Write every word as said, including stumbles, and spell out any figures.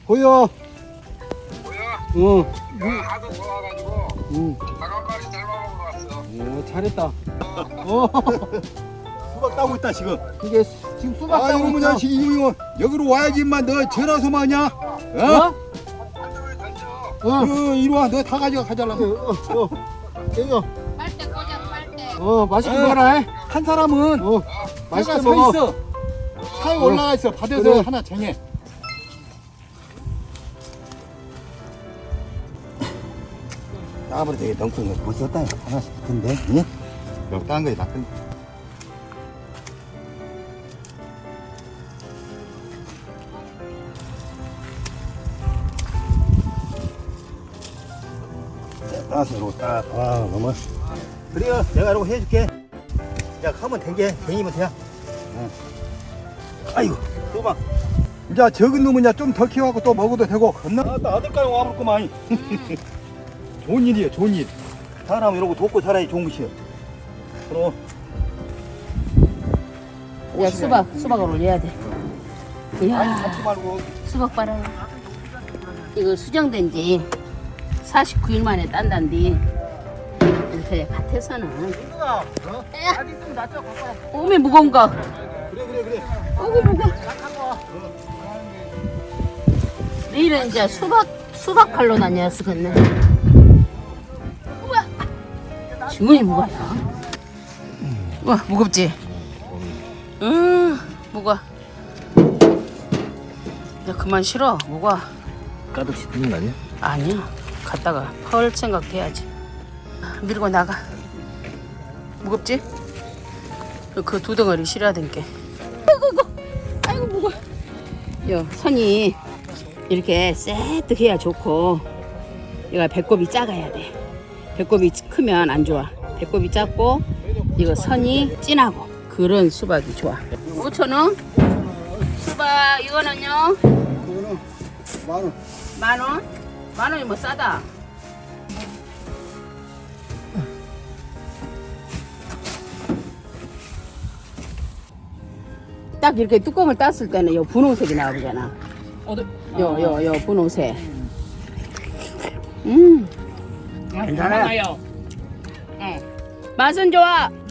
보여. 뭐야? 어. 야, 하도 좋아가지고 응. 다간마리 삶아먹으러 왔어. 어, 잘했다. 어. 수박 따고 있다 지금. 이게 수- 지금 수박 아 따고 이놈의 있어. 자식 이놈 여기로 와야지만 너 전화서 마냐? 어? 어? 한쪽을 던져. 어. 어, 이리 와. 너 다 가져가 가져라. 어, 어, 어. 이거. 빨대 꽂아 빨대. 어, 맛있게 어. 먹어라. 한 사람은 어, 차가 맛있게 서 먹어. 있어. 차에 어. 올라가 있어. 받아서 그래. 하나 쟁해. 따버려 되게 덩콩이 벌써 따 하나씩 붙은데. 응? 여기 딴 거에 다 큰. 따서 이러고 딱. 와 너무. 그래요. 내가 이러고 해줄게. 야 하면 된게 쟁이면 돼. 응. 아이고 또봐. 야 적은 놈은 좀 더 키워갖고 또 먹어도 되고 겁나. 아따 아들까지 와버렸구만. 좋은 일이에요 좋은 일. 사람 이러고 돕고 살아야 좋은 것이요. 그럼 야 수박 수박을 올려야 돼. 아니 이야 잡지 말고. 수박 봐라. 이거 수정된 지 사십구 일 만에 딴단디. 이렇게 밭에서는 누가 어? 야. 아직 있으면 낫죠 갖고 와. 오메 무거운 거. 그래 그래 그래. 어구 무거워. 내일은 이제 수박 수박 칼로 다녔었겠네. 우와 주머니 무거워. 우와 무겁지? 응 무거워. 야 그만 실어 무거워. 가득씩 드는 거 아니야? 아니야 갔다가 펄 생각해야지. 밀고 나가. 무겁지? 그 두 덩어리 실어야 된게. 아이고 아이고 무거워. 요 선이 이렇게 새뜩해야 좋고 얘가 배꼽이 작아야 돼. 배꼽이 크면 안 좋아. 배꼽이 작고 이거 선이 진하고 그런 수박이 좋아. 오천 원? 수박 이거는요? 그거는 만 원. 만 원? 만 원이 뭐 싸다. 딱 이렇게 뚜껑을 땄을 때는 요 분홍색이 나오잖아. 어디? 요 요 요 분홍색. 음. 괜찮아요. 맛은 좋아.